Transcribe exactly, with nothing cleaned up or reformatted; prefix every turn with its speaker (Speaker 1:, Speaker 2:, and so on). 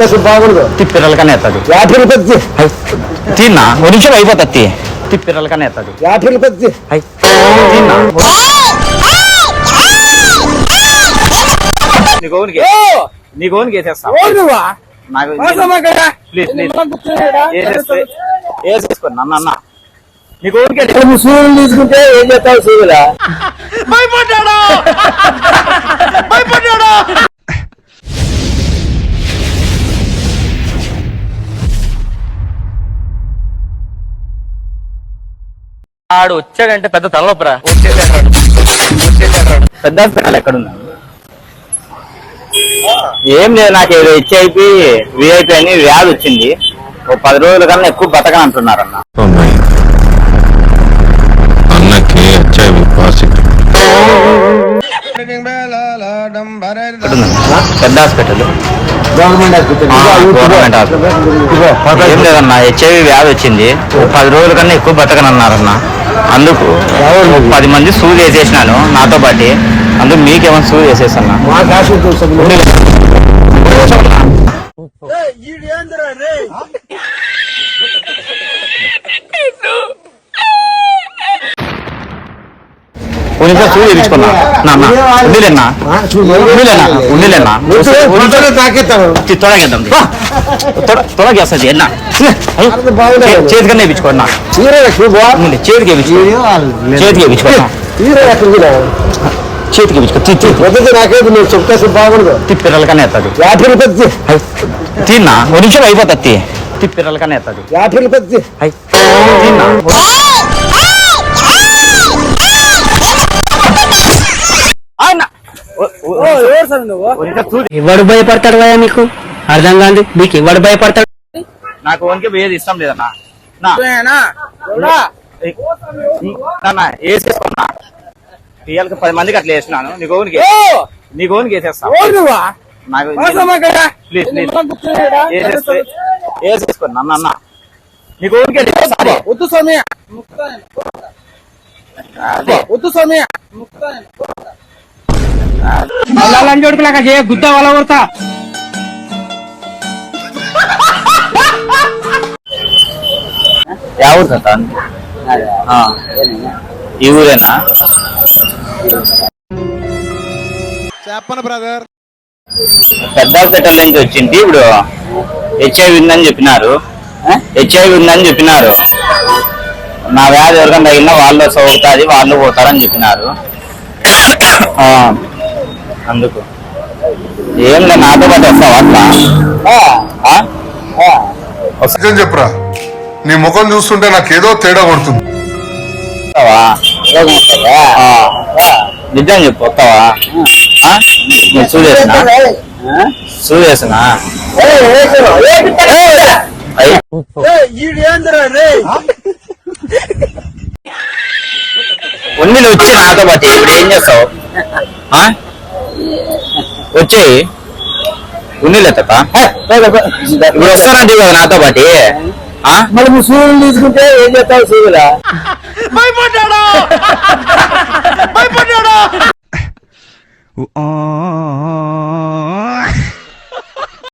Speaker 1: బాగుండదు
Speaker 2: తిప్పిరలకనే ఎత్తది
Speaker 1: యాభై రూపాయలు
Speaker 2: తిన్నా ఒక నిమిషం అయిపోతుంది తిప్పిరలకనే ఎత్తది
Speaker 1: యాభై రూపాయలు
Speaker 2: తిన్నా నీ గోనికి వేసేస్తా నాకు ప్లీజ్ ప్లీజ్ వేసేసుకోండి అన్న అన్న నీ గోనికి
Speaker 1: సూర్యులు తీసుకుంటే ఏం చేస్తావు సూర్యులా
Speaker 2: భయపడ్డాడు భయపడ్డాడు ఆడు వచ్చాడంటే పెద్ద తలనొప్పరా పెద్ద హాస్పిటల్ ఎక్కడున్నా ఏం లేదు నాకు ఏదో హెచ్ఐపి విఐపి అని వ్యాధి వచ్చింది ఒక పది రోజుల కన్నా ఎక్కువ బతకని అంటున్నారు అన్న
Speaker 3: అన్నకి హెచ్ఐవి పాజిటివ్
Speaker 2: పెద్ద hospital
Speaker 1: government hospital
Speaker 2: government hospital ఏం లేదన్నా హెచ్ఐవి వ్యాధి వచ్చింది ఒక పది రోజుల కన్నా ఎక్కువ బతకని అన్నారన్న అందుకు పది మంది సూది వేసేసినాను నాతో పాటు అందుకు మీకేమైనా సూది వేసేసన్నా కొంచెం సూది వేయించుకున్నా ఉండిలేనా ఉండిలేనా ఉండిలేనా తొడగేద్దాం తొడగేస్తుంది ఎన్నా చేతికన్నా వేయించుకోండి చేతికి వేయించుకో చేతికి వేయించుకోండి చేతికి వేయించుకో
Speaker 1: నాకేది నువ్వు చెప్తే బాగుండదు
Speaker 2: తిప్పిరలకనే ఎత్తది
Speaker 1: యాభై రూపాయలు
Speaker 2: తిన్నా ఒక నిమిషం అయిపోతుంది తిప్పిరలకనే ఎత్తది
Speaker 1: యాభై రూపాయలు
Speaker 2: తిన్నా
Speaker 4: ఎవడు భయపడతాడు కదా మీకు అర్థం కాదు మీకు ఎవడు భయపడతాడు
Speaker 2: నాకు వన్కే పోయేది ఇష్టం లేదన్నా వేసేసుకున్నా ఇవాళకి పది మందికి అట్లా వేసినాను నీ గోనికి నీ గోనికి వేసేస్తా నాకు ప్లీజ్ ప్లీజ్ వేసేసుకోండి అన్న అన్న నీ గోనికి
Speaker 1: వద్దు స్వామి వద్దు స్వామి
Speaker 4: లంజోడుకులాగా చేయ గుద్ద వాళ్ళ కొడతా
Speaker 2: ఎవరు సార్ ఈ ఊరేనా
Speaker 1: చెప్పను బ్రదర్
Speaker 2: పెద్ద హాస్పిటల్ నుంచి వచ్చింది ఇప్పుడు హెచ్ఐవి ఉందని చెప్పినారు హెచ్ఐవి ఉందని చెప్పినారు నా వ్యాధి ఎవరికైనా తగిలినా వాళ్ళు సోకుతుంది వాళ్ళు పోతారని చెప్పినారు అందుకు ఏం లేదు నాతో పాటు వస్తావా అట్లా
Speaker 3: చెప్పరా నీ ముఖం చూస్తుంటే నాకేదో తేడా కొడుతుంది
Speaker 2: నిజం చెప్పు వస్తావా చూసేసినా చూసేసినా ఉన్నిలు వచ్చి నాతో పాటు ఇప్పుడు ఏం చేస్తావు వచ్చేయి ఉన్నిలు ఎత్తా ఇప్పుడు వస్తానంటే కదా నాతో పాటు
Speaker 1: మరి నువ్వు సూర్యులు తీసుకుంటే ఏం చేస్తావు సూర్యులా
Speaker 2: భయపడ్డాడు భయపడ్డాడు